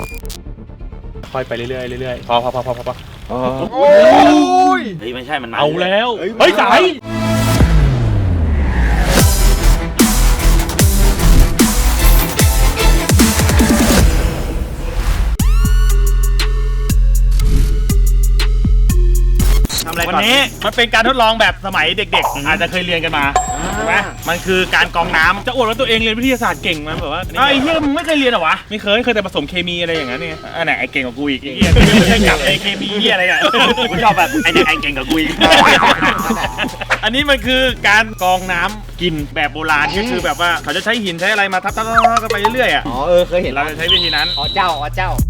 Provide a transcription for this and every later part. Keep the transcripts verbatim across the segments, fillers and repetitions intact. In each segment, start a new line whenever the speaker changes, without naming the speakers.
ค่อยไปเรื่อยๆเรื่อยๆพอพอพอพอพอ
โอ้ย
เฮ้ยไม่ใช่มัน
เอาแล้วเฮ้ยสายวันนี้มันเป็นการทดลองแบบสมัยเด็กๆอาจจะเคยเรียนกันมาใช่ไหมมันคือการกรองน้ำจะอวดว่าตัวเองเรียนวิทยาศาสตร์เก่งมันแบบว่าไอ้เหี้ยมึงไม่เคยเรียนหรอวะไม่เคยเคยแต่ผสมเคมีอะไรอย่างนั้นเนี่ยอันไหนไอ้เก่งกว่ากูอีกไอ้เหี้ยไม่ใช่กับไอ้เคมีเหี้ยอะไรเนี่ยกูชอบแบบไอ้เนี่ยไอ้เก่งกว่ากูอีกอันนี้มันคือการกรองน้ำกินแบบโบราณก็คือแบบว่าเขาจะใช้หินใช้อะไรมาทับๆกันไปเรื่อยๆอ่ะ
อ๋อเออเคยเห็น
เราจะใช้วิธีนั้น
อ๋อเจ้าอ๋อเจ้า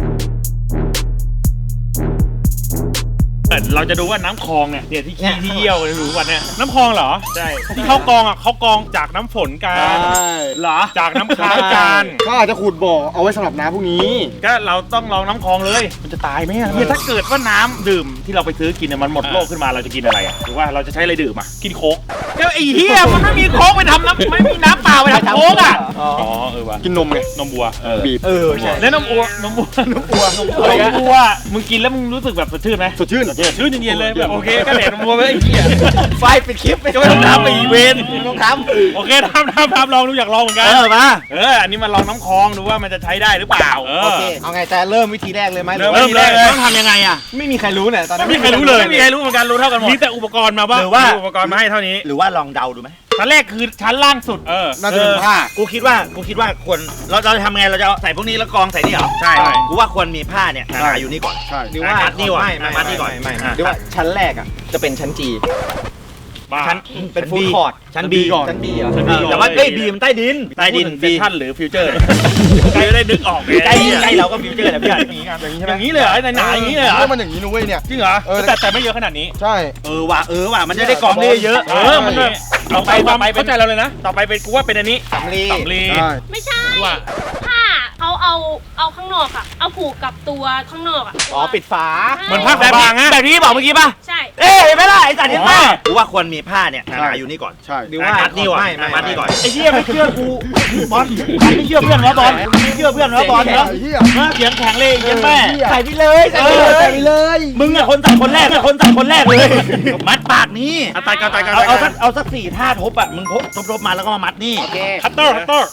เราจะดูว่าน้ำคลองเนี่ยเดี๋ยวที่ขี้ที่เยี่ยวหรือวันเนี่ยน้ำคลองเหรอใช่ที่เขากรองอ่ะเขากรองจากน้ำฝนกันเหรอจากน้ำค้างกัน
ก็อาจจะขุดบ่อเอาไว้สำหรับน้ำพวกนี้
ก็เราต้องลองน้ำคลองเลยมันจะตายไหมอ่ะเนี่ยถ้าเกิดว่าน้ำดื่มที่เราไปซื้อกินเนี่ยมันหมดโลกขึ้นมาเราจะกินอะไรอ่ะหรือว่าเราจะใช้อะไรดื่มอ่ะกินโค้กแล้วไอ้เหี้ยมันไม่มีโค้กไปทำน้ำไม่มีน้ำเปล่าไปทำโค้กอ่ะอ๋อเออว่ะ
กินนมไง
นมบัว
บีบเออใช่
แล้วนมอัวนมบัวนมบัวนมบัวมึงกินแล้วมึงรู้สึกแบบสดชื่นไหม
สดชื่น
ชื่นเย็นๆเลยแบบโอเคก็แดดมัวไปไอ้เหี้ย
ไฟปิดคลิปไป
ก็ไม่ต้องทำไปอีเวนต์
ไม่ต้องทำ
โอเคทำทำทำลองดูอยากลองเหมือนกัน
เออมา
เอออันนี้มาลองน้ำคลองดูว่ามันจะใช้ได้หรือเปล่า
โอเคเอาไงแต่เริ่มวิธีแรกเลยไหม
เริ่มเลย
ต้องทำยังไงอ่ะ
ไม่มีใครรู้เนี่ยตอนนี้
ไม่มีใครรู้เลยไม่มีใครรู้เหมือนกันรู้เท่ากันหมดมีแต่อุปกรณ์มาบ้าง
หรือว่า
อุปกรณ์มาให้เท่านี้
หรือว่าลองเดาดูไหม
ชั้นแรกคือชั้นล่างสุดเออ
น่าจะเป็นผ้า
กูคิดว่ากูคิดว่าควรเราเราจะทำไงเราจะใส่พวกนี้แล้วกองใส่นี่เหรอ
ใช่
กูว่าควรมีผ้าเนี่ยอยู่นี่ก่อน
ใช่
หรือว่ามัดนี่ก่อนมัดนี่ก่อน
ไม่หรือว่าชั้นแรกอ่ะจะเป็นชั้นจี
ชั้น
เป็นฟู้ดคอร์ท
ชั้นบี
ก่อนชั้นบีอ่ะ
แต่ว่าเอ้ยบีมันใต้ดินใต้ดิน
เซนทันหรือฟิวเจอร์ใครได้นึกออก
ใกล้ใกล้เราก็ฟิวเจอร์นะพี่
อย่างนี้อย่างนี้เลยเหรอหนาอย่างนี้เลยเหรอ
มันอย่างนี้นุ้ยเนี่ย
จริงเหรอแต่แต่ไม่เยอะขนาดนี้
ใช่
เออว่ะเออว่ะมันจะได้กองได้เยอะ
เออมันต่อไปต่อไปเข้าใจเราเลยนะต่อไปเป็นกูว่าเป็นอันนี้
สำลี
สำลี
ไม่ใช่ผ้าเขาเอาเอาข้างนอกอ่ะเอาผูกกับตัวข้างนอกอ่ะ
อ๋อปิดฝา
เหมือนผ้าแบบบางอะ
แบบนี้บอกเมื่อกี้ป่ะ
ใช่
เอ๊ะไม่ได้ไอ้สัตว์นี่ป่ะกูว่าควรมีผ้าเนี่ยอยู่นี่ก่อน
ใช่
หรือว่ามัดนี่ก่อนมัดนี่ก่อน
ไอ้เหี้ยไม่เชื่อกูบอลไม่เชื่อเพื่อนนะบอลไม่เชื่อเพื่อนนะบอลนะเสียงแข็งเลยเย็นแม่
ใส่ไปเลยใส่ไปเลยใส่ไปเลย
มึงอะคนใส่คนแรกคนใส่คนแรกเลยมัดปากนี้
ตายกันตายกัน
เอาสักเอาสักสี่ท่าทบอะมึงทบทบมาแล้วก็มามัดนี่
โอเค
คัตเตอร์คัตเตอร์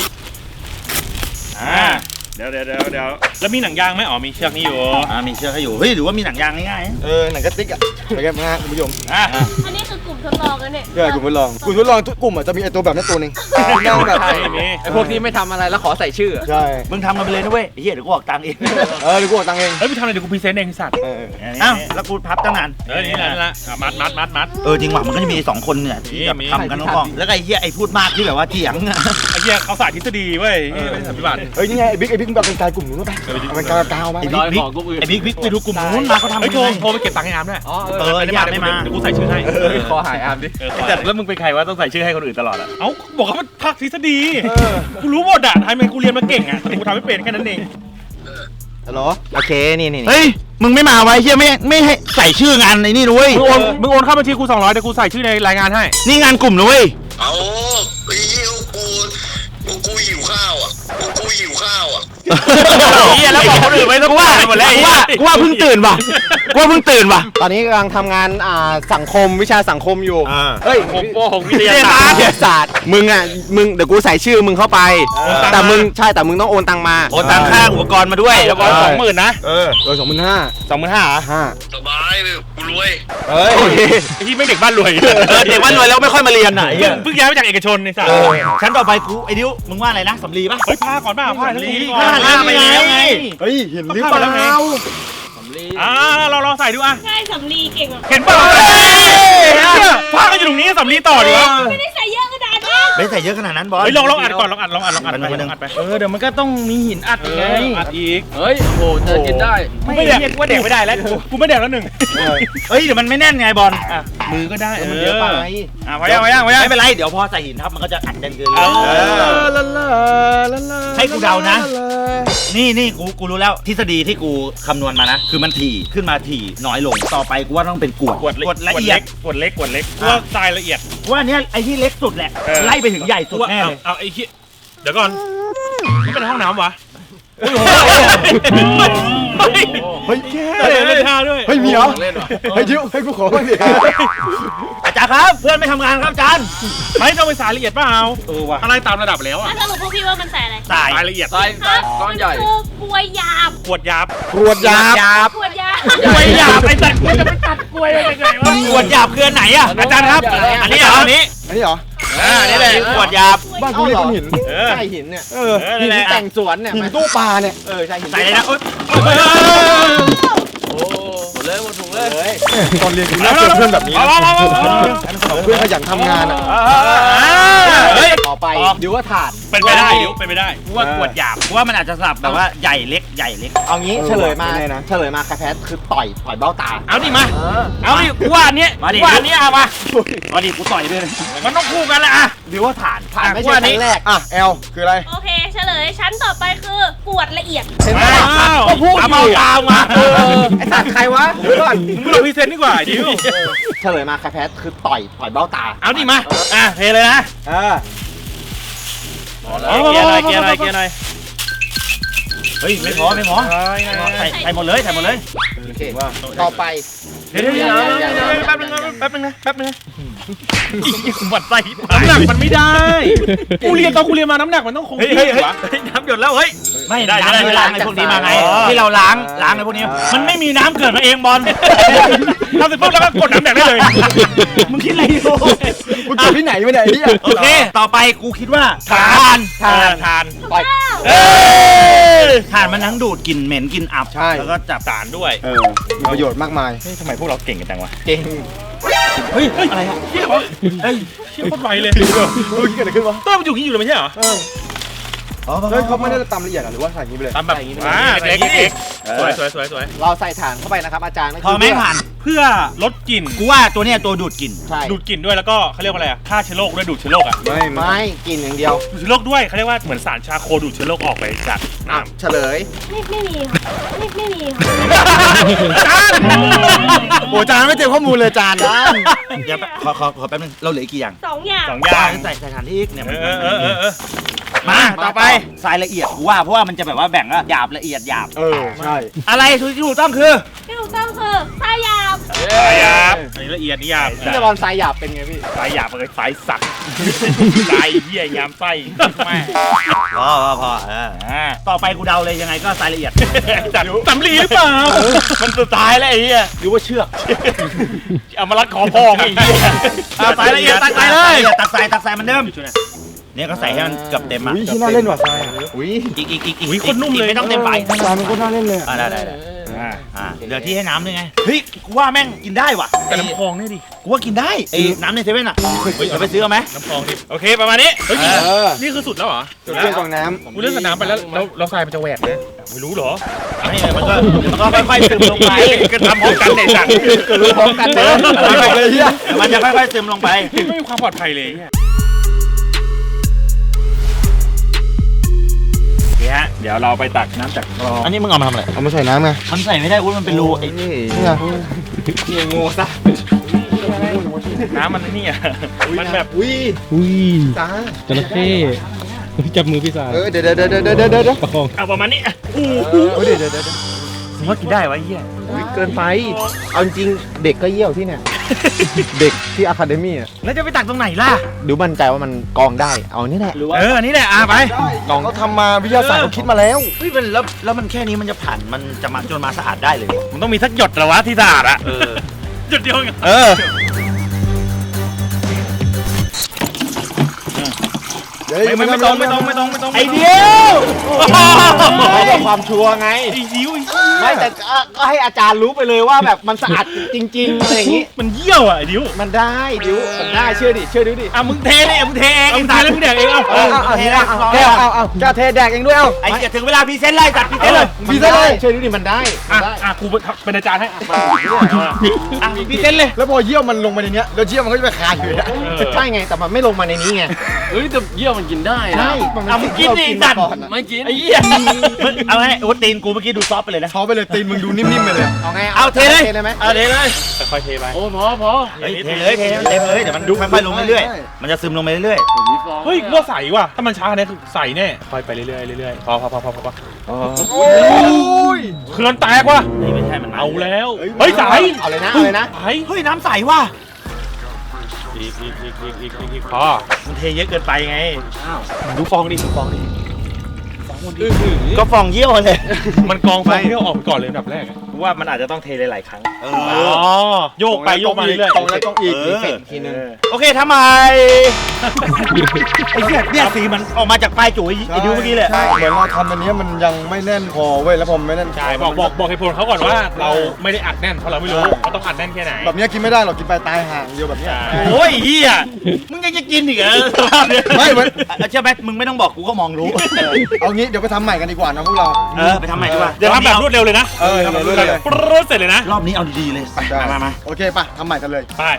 อ่าเดี๋ยวเดี๋ยวเดี๋ยวเดี๋ยวแล้วมีหนังยางไหมอ๋อมีเชือกนี้อยู่
อ่ามีเชือกให้อยู่เฮ้ยหรือว่ามีหนังยางง่าย
ๆเออหนังกระติกอ่ะไปกันนะคุณผู้ชม
อ่ะ
อันนี้คือกลุ่มทดลองกันเนี่ย
ใช่กลุ่มทดลองกลุ่มทดลองทุกกลุ่มอ่ะจะมีไอตัวแบบนี้ตัวนึงนั่งแบบ
ไอพวกที่ไม่ทำอะไรแล้วขอใส่ชื่อ
ใช่
มึงทำกันไปเลยนะเว้ยเฮียเดี๋ยวกูออกตังค์เอง
เออเดี๋ยวกูออกตังค์เอง
เฮ้ยมึงทำอะไรเดี๋ยวกูพรีเซนต์เองสัตว์
อ้าวแล้วกูพับตั้งนาน
เออนี่นั่นละมัดมัดมัดมัด
เออจริงว่ะมันก็จะมีสองคนเนี่ยที่แบบทำกันน้องๆแล้วไอ้เฮียไอ้พูดมากที่แบบว่าเถียง
ไอ้เฮียเขาสาธิตทฤษฎีเว้ยไม่ใช่ปฏิบัติ
เฮ้ยนี่ไงไอ้บิ๊กไอ้บิ๊กแบบเป็นกายกลุ่มนู้นป่ะมันกาวกาวมา
ไอ้บิ๊กบิ๊กไอ้บิ๊กบิ๊กไปดูกลุ่มนู้นมาเขาทำ
ไอ้โทรโทรไปเก็บตังค์ให้อาร์มด้วย
อ๋อเออไอ้อาร์มไม่มา
เดี๋ยวกูใส่ชื่อให้
ขอหายอาร์มดิ
แต่แล้วมึงเป็นใครวะต้องใส่ชื่อให้คนอื่นตลอดอ่ะเอ้าบอกเขาภาคทฤษฎีกูรู้หมดอ่ะทำไมกูเรียนมาเก่งอ่ะกูทำไม่เป็นแค่นั้นเอง
ฮัลโหลโอเคนี่นี่
เฮ้ยมึงไม่มาไว้เฮียไม่ไม่ให้ใส่ชื่องานในนี่ด้วย
มึงโอนมึงโอนเข้าบัญชีกูสองร้อยเดี๋ยวกูใส่ชื่อในรายงานให้
นี่งานกลุ่มด้วย
เอาไอ้เหี้ยกูกูหิวข้าวอ่ะกูหิวข้าวอ่ะ
เฮียแล้วบอกคนอื่นไว้ต้องว่าหมดแล้ว
ว่ากูว่าเพิ่งตื่นป่ะกูว่าเพิ่งตื่นป่ะ
ตอนนี้กำลังทำงานอ่าสังคมวิชาสังคมอยู่
เฮ้ยผมโกหกวิทยาศาสตร์
วิทยาศาสตร์มึงอ่ะมึงเดี๋ยวกูใส่ชื่อมึงเข้าไปแต่มึงใช่แต่มึงต้องโอนตังมา
โอนตังค่าอุปกรณ์มาด้วย
แล้วก็สองหมื่นนะ
เออโดยสองหมื่นห้า
สองหมื่นห้า
ห้า
สบายกูรวย
เฮ้ย
ที่ไม่เด็กบ้านรวย
เด็กบ้านรวยแล้วไม่ค่อยมาเรียนไหน
เพิ่งย้ายมาจากเอกชนในสาย
ชั้นต่อไปกูไอ้ดิวมึงว่าอะไรนะสำลีป่ะ
เฮ้ยผ้าก่อนป่ะผ้าสำลี
ผ้าผ้าไปแล้วไง
เฮ้ยเห็นหรือเปล่า
อ่าเราลองใส่ดูอ่ะ
ใช่สำลีเก่งอ่ะ
เห็นป่ะผ้าก็อยู่ตรงนี้สำลีต่อดีวะ
ไม่ได้ใส่เยอะขนาดนั้น
ไม่ใส่เยอะขนาดนั้นบอล
เฮ้ยลองลองอัดก่อนลองอัดลองอัดลองอัดไปลองอัดไปเออเดี๋ยวมันก็ต้องมีหินอัดอีกไงอัดอีก
เฮ้ยโหจะกินได้
ไม่แดกกูว่าแดกไม่ได้แล้วกูไม่แดกแล้วหนึ่ง
เฮ้ยเดี๋ยวมันไม่แน่นไงบอล
มือก็ได้
มันเยอะไป
อ่ะพอยังพอยังพอยัง
ไม่เป็นไรเดี๋ยวพอใส่หินทับมันก็จะอัดกันเกินให้กูเดานะนี่นี่กูกูรู้แล้วทฤษฎีที่กูคำนวณมานะคือมันถี่ขึ้นมาถี่น้อยลงต่อไปกูว่าต้องเป็นกวด
กวดละเอียดกวดเล็กกวดเล็กว่าทรายละเอียด
ว่าเนี้ยไอ้ที่เล็กสุดแหละไล่ไปถึงใหญ่สุดแน่เลย
เอาไอ้ที่เดี๋ยวก่อนมันเป็นห้องน้ำวะ
เฮ้ยแค่
เล่นท่าด้วย
เฮ้ยมีเหรอเฮ้ยดิวให้กูขอบ้างดิ
อาจารย์ครับเพื่อนไม่ทำงานครับอาจารย์
ไม่ต้องไปสายละเอียดเปล่า
เออว่ะ
อะไรตามระดับแล้วอ่ะ
แล้วสรุปพวกพี่ว่ามันใส่อะไร
สาย
สายละเอียด
ทรายทรายก้อนใหญ่
คือกล้วยหยาบ
ขวดยาบ
กรวดยาบ
กล้วยหยาบ
กล้วยหยาบไอ้สัตว์กูจะไปตัดกล้วยได้ยังไงวะ
ขวดหยาบคืออันไหนอ่ะ
อาจารย์ครับ อันนี้เหรออันนี้
อันนี้เหรอ
อ่านี่แหละ
ขวดหยาบ
บ้านกูเรียกก้อนหิน
เออ
ใช่หินเนี่ย เออ
เออ
หิ
นั่น
น
แหละ
แต่งสวนเนี่ยหินตู้ปลาเนี่ย เออใช่หิน
ใส่เลยนะ
โอ๊ย
โอ้หมดเลยหมดถุงเลย
ตอนเรียนกูน่าเจอเพื่อนแบบนี้
เอา
นะ
เอาเอาเอา
เพื่อนขยันทำงานอ่ะ
เฮ้ย
ต่อไปดิวว่าถาด
เป็นไปได้ดิวเป็นไปได้กูว่าขวดหยาบ
กูว่ามันอาจจะสลับแบบว่าใหญ่เล็กใหญ่เล็ก
เอางี้เฉลยมาเฉลยมาใครแพ้คือต่อยต่อยเบ้าตา
เอาดิมา เอาดิกูว่าอันเนี้ย
มาดิ
กูว่าอันเนี้ยเอามา
มาดิกูต่อยด้วยนะ
มันต้องคู่กันแหละอ่ะ
ดิวว่าฐานฐาน
อ่ะ
ไม่
กู
ใช่
ว่า
ค
นี้
รั้งแรกอ่ะแอลคืออะไร
โอเค เฉลย ชั้นต่อไปคือกวดละเอียด
เห็นไหม
อ้าว
ก็พูดอ
เอา
ยู่
เอากาวมา
เออไอสัตว์ใครวะเดี๋ยวก่อน
มึงเราพรีเซนต์ดีกว่าดิว
เฉลยมาใครแพ้คือต่อยต่อยเบ้าตา
เอาดิมา อ่ะเทเลยนะ
เออ
เอาเกียร์หน่อยเกียร์หน่อยเกียร์หน่อย
เฮ้ยไม่พอไม่พอใส่ใส่หมดเลยใส่หมดเลย
โอเคต่อไป
เดี๋ยวเดี๋ยวเดี๋ยวเดี๋ยวเดี๋ยวแป๊บนึงนะแป๊บนึงนะแป๊บนึงนะอีกหมัดไส้น้ำหนักมันไม่ได้ กูเรียนตอนกูเรียนมาน้ำหนักมันต้องคง
เฮ้ย
ที่
เฮ้ยเฮ้ยว
ะ
น้ำหยดแล้วเฮ้ยไม่
ได้
น้ำ
ได้
ที่ล้างไอ้พวกนี้มาไง
อ๋อ
ที่เราล้างล้างไอ้พวกนี้มันไม่มีน้ำเกิดมาเองบอล
ทำเสร็จปุ๊บแล้วก็กดน้ำแดงได้เลย
มึงคิดอะไรอยู่
มึงเกิดที่ไหนมาเนี่ยไอ้เหี้ย
โอเคต่อไปกูคิดว่าทาน
ทานทาน
ต่อย
เอ้ย
ทานมันทั้งดูดกลิ่นเหม็นกลิ่นอับ
ใช่
แล้วก็จับ
สารด้วย
เออมีประโยชน์มากมาย
เฮ้ยทำไมพวกเราเก่งกันจังวะ
เก่ง
เฮ้ยอะไรอะ
เฮียวะเฮ้ยเฮียโคตรไวเลย
รู้เกิดอะไรขึ้นวะ
เต้ยมันอยู่ที่อยู่เลยไม่ใช่เหรอ
เฮ้ยเขาไม่ได้ตำละเอียดหรอหรือว่าใส่อย่างนี้ไปเลย
ตามแบบอ่าเล็กเล็กสวยสวยสวยสวย
เราใส่ฐานเข้าไปนะครับอาจารย์
พอไม่ผ่าน
เพื่อลดกลิ่น
กูว่าตัวเนี้ยตัวดูดกลิ่น
ใช่
ดูดกลิ่นด้วยแล้วก็เขาเรียกว่าอะไรอ่ะฆ่าเชื้อโรคด้วยดูดเชื้อโรคอ่ะ
ไม่ไม่กินอย่างเดียว
ดูดเชื้อโรคด้วยเขาเรียกว่าเหมือนสารชาโคดูดเชื้อโรคออกไปจากน้ำ
เฉลย
ไม่ไม่มีค่ะไม่ไม่มีค่ะ
จาน
โอ้จานไม่เต็มข้อมูลเลยจานจาน
เดี๋ยวขอขอขอแป๊บนึงเราเหลืออีกกี่อย่าง
สองอย่าง
สองอย่าง
ใส่ใส่ฐานที่อีกเนี่ย
เออเออเออเออ
มาต่อไปทรายละเอียดกูว่าเพราะว่ามันจะแบบว่าแบ่งว่าหยาบละเอียดหยาบ
เออใช่
อะไรที่ถูกต้องคือ
ที่ถูกต้องคือทรายหยาบ
สายหยาบอันนี้ละเอียดนี่หยาบ
พี่จะบอลทรายหยาบเป็นไงพี่
สายหยาบเลยสายสักสายเหี้ยยามไส้แม่
พอพอพอเอออ่าต่อไปกูเดาเลยยังไงก็ทรายละเอียด
จัดสำลีหรือเปล่ามันสุดท้ายแล้วไอ้เหี้ย
หรือว่าเชือก
เอามารัดคอพ่อไอ้เหี้ยเอาสายละเอียดตักไปเลย
ตักใส่ตักใส่มันเดิมเนี่ยก็ใส่ให้มันเกือบเต็มอ่ะ
อุ้ยที่น่าเล่นว่ะทรายอุ้ย
อีกอีกอีกอีก
อุ้ยโคนนุ่มเลย
ไม่ต้องเต็มใบ
ทรายมันก็น่าเล่นเลย
อ่าได้ได้ได้อ่าอ่าเหลือที่ให้น้ำด้วยไงเฮ้ยกูว่าแม่งกินได้ว่ะ
แต่น้ำคลองนี่ดิ
กูว่ากินได้ไอ้น้ำในเซเว่นอ่ะเดี๋ยวไปซื้อเอาไหม
น้ำคลองดิโอเคประมาณนี้เฮ้ย
เออ
นี่คือสุดแล้วเหรอ
จุดเชื่อมกองน้
กูเลื่อนสนามไปแล้วแล้วแล้วทรายมันจะแหวกนะไม่รู้เหรอ
ไม่มันก็มันก็ค่อยๆซึมลงไป
ก็ทำพร้อมกันในสัตว์
ำเกิดรู้พร้อมกันเด้อเลยเฮีย
มันจะค่อยๆซึมลงไป
ไม่มีความปลอดภัยเลยเนี่ยนี่ฮะเดี๋ยวเราไปตักน้ำจากคลอง
อันนี้มึงเอามาทำอะไร
เอามาใส่น้ำไง
มันใส่ไม่ได้อุ้ยมันเป็นรูไอ้
นี่นี่ไงนี่ไงงูซะ
น้ำมันนี่อ่ะมันแบบ
อุ้ย
อุ้ย
จ้า
จระเข้จับมือพี่สาว
เออเดี๋ยวเดี๋ยวเดี๋ยวเดี๋ยวเดี๋ยวเดี๋ยว
ประคอง
เอาประมาณนี้อ่ะอู้
เออเดี๋ยวเดี๋ยวเดี๋ยว
มึงว่ากินได้วะไอ้เหี้ย
อุ้ยเกินไป เอาจริงๆเด็กก็เยี่ยวที่เนี่ย เด็กที่อะคาเดมี่อ่ะ
แล้วจะไปตักตรงไหนล่ะ
ดูมั่นใจว่ามันกองได้ เอานี่แหละ
เอออันนี้แหละอ่ะไป
กองเขาทำมาวิทยาศาสตร์เขาคิดมาแล้ว
เฮ้ยมันแล้วแล้วมันแค่นี้มันจะผ่านมันจะมาจนมาสะอาดได้เลย
มันต้องมีสักหยดเหรอวะที่สะอาดอ่ะ
เออ
หยดเดียวเอง
เออ
ไม่ไม่ไม่ต้องไม่ต้องไม่ต้องไม่ต้อง
ไอเดียว
ไม่ได้ความชัวร์ไง
ไอ้ยิ้ว
ไม่แต่ก็ก็ให้อาจารย์รู้ไปเลยว่าแบบมันสะอาดจริงๆอะไรอย่างงี้
มันเยี่ยวอ่ะไอ้ยิ้ว
มันได้ดิวมันได้เชื่อดิเชื่อดิวดิ
อ่ะมึงเทเลยอ่ะมึงเทเองมึงเทแล้วมึงแดกเองเอา
เอาเอาเอาเทได้เอาเอาเอาแกเทแดกเองด้วยเอา
ไอ้เหี้ยถึงเวลาพรีเซนต์ไล่จัดพรีเซนต์เลย
มีได้เลยเชื่อดิวดิมันได้มั
อ่ะ
นได้
อ่ะกูเป็นอาจารย์ให้อ่ะอ่ะพี่เต้นเลย
แล้วพอเยี่ยวมันลงไปในเนี้ยแล้วเยี่ยวมันก็จะไปคาอยู่นะใช่ไงแต่มันไม่ลงมาในนี้ไง
เฮ้ยแต่เยี่ยมมันกินได้นะ
ใช่มัน
เอามึงกินดิ
สิ่งที่
สั
เรา
ตว์
กินมาก่อนอะ
ไม่กิน
ไอ้เหี้ยมึงเอาไงโอ้ตีนกูเมื่อกี้ดูซอฟต์ไปเลยนะ
เขาไปเลยตีนมึงดูนิ่มๆไปเลยเอาไง
เอาเทเลย
เทเลยไหม
เอาเทเลย
ค่อยๆเทไป
โอ้พอพอ
เฮ้ยเทเลยเทเลยเทเลยเดี๋ยวมันดูค่อยๆลงเรื่อยๆมันจะซึมลงไปเรื่อย
ผมมีฟอง
เฮ้ยว่าใสว่ะถ้ามันช้าเนี่ยคือใสแน่ค่อยไปเรื่อยๆเรื่อยๆพอพอพอพอพอ
โอ้ย
เขื่อนแตกว่ะ
ๆนี่ไม่ใช่มัน
เอาแล้วเฮ้ยใส
เอาเลยนะเอาเลยนะ
ใส
เฮ้ยน้ำใสว่ะ
อีกอีกอีกอีกอีกอีกอีกพอ
มันเทเยอะเกินไปไง
ดูฟองดิดูฟองดิ
ก็ฟองเยี่ยวเลย
มันกองฟองที่เราออกไปก่อนเลยอันดับแรกอะ
ว่ามันอาจจะต้องเทหลายๆครั้งเอ
อ๋อโยกไปโยกมาเรื่อย
ตรงแล้วต้องอีก
เอ
อี
อก
เฟกทีนึง
โอเคทำไมไอ้เหี้ยเนี่ยสีมันออกมาจากปลายจุ๋ยไอ้ดิวเมื่อกี้เลย
ใช่เหมือนเราทำอันนี้มันยังไม่แน่นพอเว้ยแล้วพอไม่แน่น
ๆใช่บอกบอกบอกเหตุผลเขาก่อนว่าเราไม่ได้อัดแน่นเพราะเราไม่รู้ว่าต้องอัดแน่นแค่ไหน
แบบนี้กินไม่ได้หรอกกินไปตายห่างเดียวแบบเนี้ย
ใช่
โอ้ยเฮียมึงยังจะกินอีกเหรอ
ไม่เหมือน
เชื่อไหมมึงไม่ต้องบอกกูก็มองรู้
เอางี้เดี๋ยวไปทำใหม่กันดีกว่านะพวกเรา
เออไปทำใหม่ดีกว่า
เดี๋ยวทำแบบรวดเร็วเลยนะ
เออทำแบบรวดเร็วเลย
ปรึ๊ดเสร็จเลยนะ
รอบนี้เอาดีๆเลย
ได้
มามามา
โอเคป่ะทำใหม่กันเลย
ไป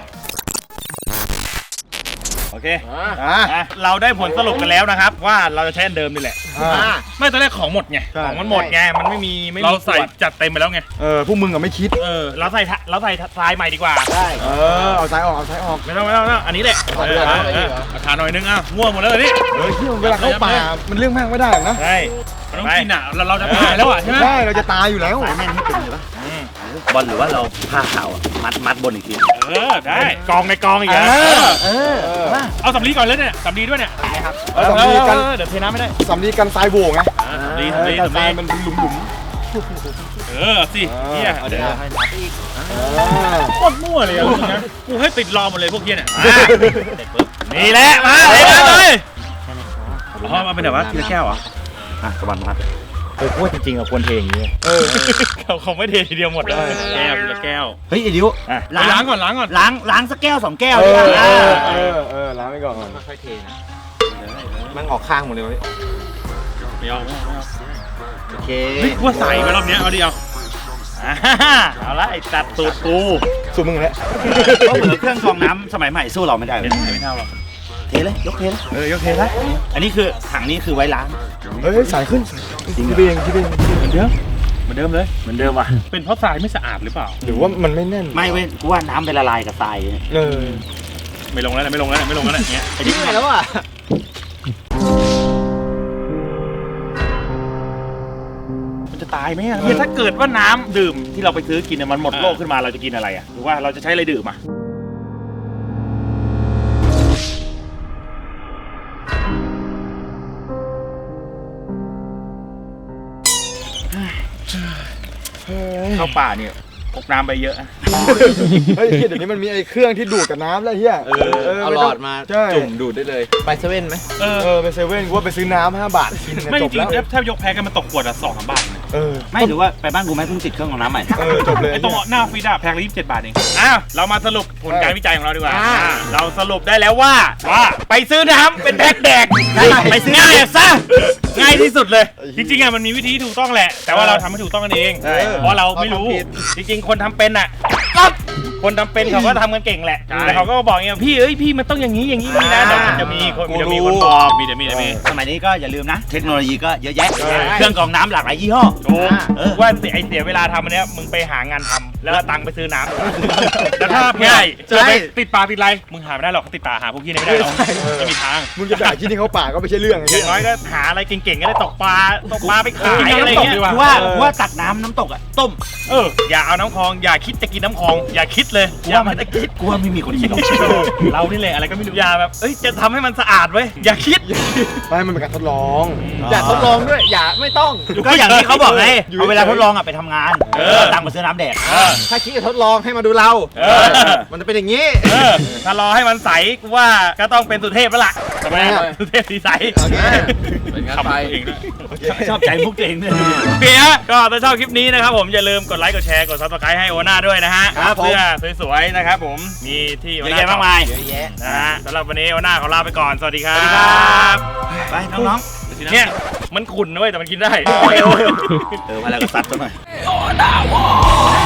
โอเค
อ่ะ
อ่ะ
อ่ะเราได้ผลสรุปกันแล้วนะครับ ว่าเราจะใช้อันเดิมนี่แหละ
อ่ะ
ไม่ตอนแรกของหมดไง
ใช่
ของมันหมดไงมันไม่มีไม่มี
เราใส่
ขวด
จัดเต็มไปแล้วไง
เออพวกมึงอะไม่คิด
เออ
เราใส่ทะเราใส่ทรายใหม่ดีกว่า
เออเอาซ้ายออกเอาซ้ายออก
ไม่ต้องไม่ต้องไม่ต้องอันนี้แหละ
เอา
เอ
เดี๋
อ
ยว
เอ
นะ
อเออเอาทานหน่อยนึงอ่ะมั่วหมดแล้วเลยนี่
เฮ้ยเวลาเข้าป่ามันเรื่องมากไม่ได้หรอกนะ
ใช่
มันต้องกินอ่ะเราเราจะตายแล้วอ่ะใช่ไหม
ใช่เราจะตายอยู่แล้ว
สายแม่นที่เป็นหรือเปล่าบอลหรือว่าเราผ้าขาวอะมัดมัดบนอีกที
เออได้กองในกองอีก
เอ
อ่ะ
อ
เออ
เออ
เอาสำลีก่อนเลยเนี่ยสำลีด้วยเนี่ย
เอาสำลีกัน
เออเดี๋ยวเทน้ำไม่ได้
สำลีกันทรายโบกไง
อ่ะสำลีสำลี
กัน
สำ
ทรา
ลี
ยมันหลุมหลุม
เออสิเนี่ย
เอาเดี๋ยวให้นับอีก
โคตรมั่วเลยอ่ะจริงนะกูให้ติดรอหมดเลยพวกเฮียเนี่ย
อ่ะเสร็จปุ๊บนี่แหละมาเลยมาเลย
อ๋อมาเป็นแบบว่าทีละแก้วเหรอ
อ่ะตะวันมัดเออพูดจริงๆเราควรเทอย่างนี้
เออ
เขาคงไม่เททีเดียวหมดเลยแก้วทีละแก้ว
เฮ้ยไอ้ดิว
อ่ะล้างก่อนล้างก่อน
ล้างล้างสักแก้วสองแก้ว
เอ
ดีก
อ
ว่า
เอ
อ่ะ
อเออเออล้างไปก่อน
ค่อยๆเทนะ
มันออกข้างหมดเลย
ไม่เอาไม่เอาไม่เอา
โอเค
เฮ้ยว่าใส่ไปรอบเนี้ยเอาดิเอา
อ่าเอาละไอ้ตัดตูดกู
สู้มึงแล้ว
ก็เหมือนเครื่องกรองน้ำสมัยใหม่สู้เราไม่ได้เลย
เดี๋ยวไม่เท่าหรอก
เทเลยยกเทเลย
เออยกเทนะ
อันนี้คือถังนี้คือไว้ล้าง
เฮ้ยสายขึ้นคิดเองคิดเอง
เหมือนเดิมเหมือนเดิมเลย
เหมือนเดิมว่ะ
เป็นเพราะทรายไม่สะอาดหรือเปล่า
หรือว่ามันไม่แน่น
ไม่เว้ยกูว่าน้ำไปละลายกับทรายเนี่ย
เออ
ไม่ลงแล้วนะไม่ลงแล้วนะไม่ลงแล้วนะเงี้ย
ไอ้นี่แล้วอ่ะ
มันจะตายไหมอ่ะเนี่ยถ้าเกิดว่าน้ำดื่มที่เราไปซื้อกินเนี่ยมันหมดโลกขึ้นมาเราจะกินอะไรอ่ะหรือว่าเราจะใช้อะไรดื่มอ่ะเข้าป่าเนี่ยพกน้ำไปเยอะ
เฮ้ยเดี๋ยวนี้มันมีไอ้เครื่องที่ดูดกับน้ำแล้วเฮีย
เออเอาหลอดมา
ใช่
จุ่มดูดได้เลย ไปเซเว่นไหม
เออ
เออไปเซเว่นกูว่าไปซื้อน้ำห้าบาทกินเนี่ย
ไม่
จ
จ
บ
ริง
แล้ว
ๆถ้ายกแพ็คกันมันตกขวดละสองสามบาทเนี่ย
เออ
ไม่หรือว่าไปบ้านกูไหมเพิ่งติดเครื่องกรองน้ำใหม่
เออจบเลย
ไอ้ตรงหน้าฟรีดาแพ็คละยี่สิบเจ็ดบาทเองอ้าวเรามาสรุปผลการวิจัยของเราดีกว่า
อ่า
อ่าเราสรุปได้แล้วว่าว่าไปซื้อน้ำเป็นแพ็คแดก
ไปซื้อ
ง่ายซะง่ายที่สุดเลย จริงๆอ่ะมันมีวิธีที่ถูกต้องแหละ แต่ว่าเราทำให้ถูกต้องกันเอง
ใช่
เพราะเราไม่รู้ จริงๆ คนทำเป็นอ่ะคนทำเป็นเขาก็ทำกันเก่งแหละแต่เขาก็บอกอย่างเงี้ยพี่เอ้ยพี่มันต้องอย่างนี้อย่างนี้นี่นะเดี๋ยวมันจะมีคนจะมีคนบอกมีเดี๋ยวมีเดี๋ยวมี
สมัยนี้ก็อย่าลืมนะ เทคโนโลยีก็เยอะแยะ
ใช่
เครื่องกรองน้ำหลากหลายยี่ห้อ
ถูก
เออ
ว่าเสียไอเสียเวลาทำอันเนี้ยมึงไปหางานทำแล้วเอาตังค์ไปซื้อน้ำแล้วถ้าง่าย
ใช่
จะไปติดปลาติดอะไรมึงหาไม่ได้หรอกเขาติดปลาหาพวกพี่นี่ไม่ได้หรอกไม่มีทาง
มึงจะด่าที่นี่เขาป่าก็ไม่ใช่เรื่องไอ้
อ
เหี้
ย่างน้อยก็หาอะไรเก่งๆก็ได้ตกปลาตกปลาไปขายอะไรเงี้ย
กูว่ากูว่าตักน้ำน้ำตกอ่ะต้ม
เอออย่าเอาน้ำคลองอย่าคิดจะกินน้ำคลองอย่าคิดเลย
กูว่ามันคิดกูว่าไม่มีคนคิดหรอก
เรานี่แหละอะไรก็ไม่รู้อย่าแบบเอ้ยจะทำให้มันสะอาดเว้ยอย่าคิด
ไม่มันเป็นการทดลอง
อย่าทดลองด้วย อย่าไม่ต้อง
ก็อย่างที่เขาบอกไง
อยู่
เอาเวลาทดลองอ่ะไปทำงาน
เออ
เอาตังค์มาซื้อน้ำแดก
เออ
ถ้าคิดจะทดลองให้มาดูเรา
เออ
มันจะเป็นอย่างนี้
เออถ้ารอให้มันใสกูว่าก็ต้องเป็นสุเทพแล้วล่ะทำไมอะสุเทพสีใส
โอเคเป็นงั้นไป
ขำตัวเองด้วย
ชอบใจมุกตัวเองด้วย
โอเคฮะก็ถ้าชอบคลิปนี้นะครับผมอย่าลืมกดไลค์กดแชร์กดซับสไครต์ให้โอน่าด้วยนะฮะ
ครับผม
เสื้อสวยๆนะครับผมมีที่โอ
เยอะ
น่า
แยะมากมาย
เยอะแยะ
นะฮะสำหรับวันนี้โอน่าขอลาไปก่อนสวัสดีครับ
สวัสดีครับ ไปน้อง
เนี่ยมันขุ่นนะเว้ยแต่มันกินได้
ๆ เออมาแล้วก็ซัดซะหน่อย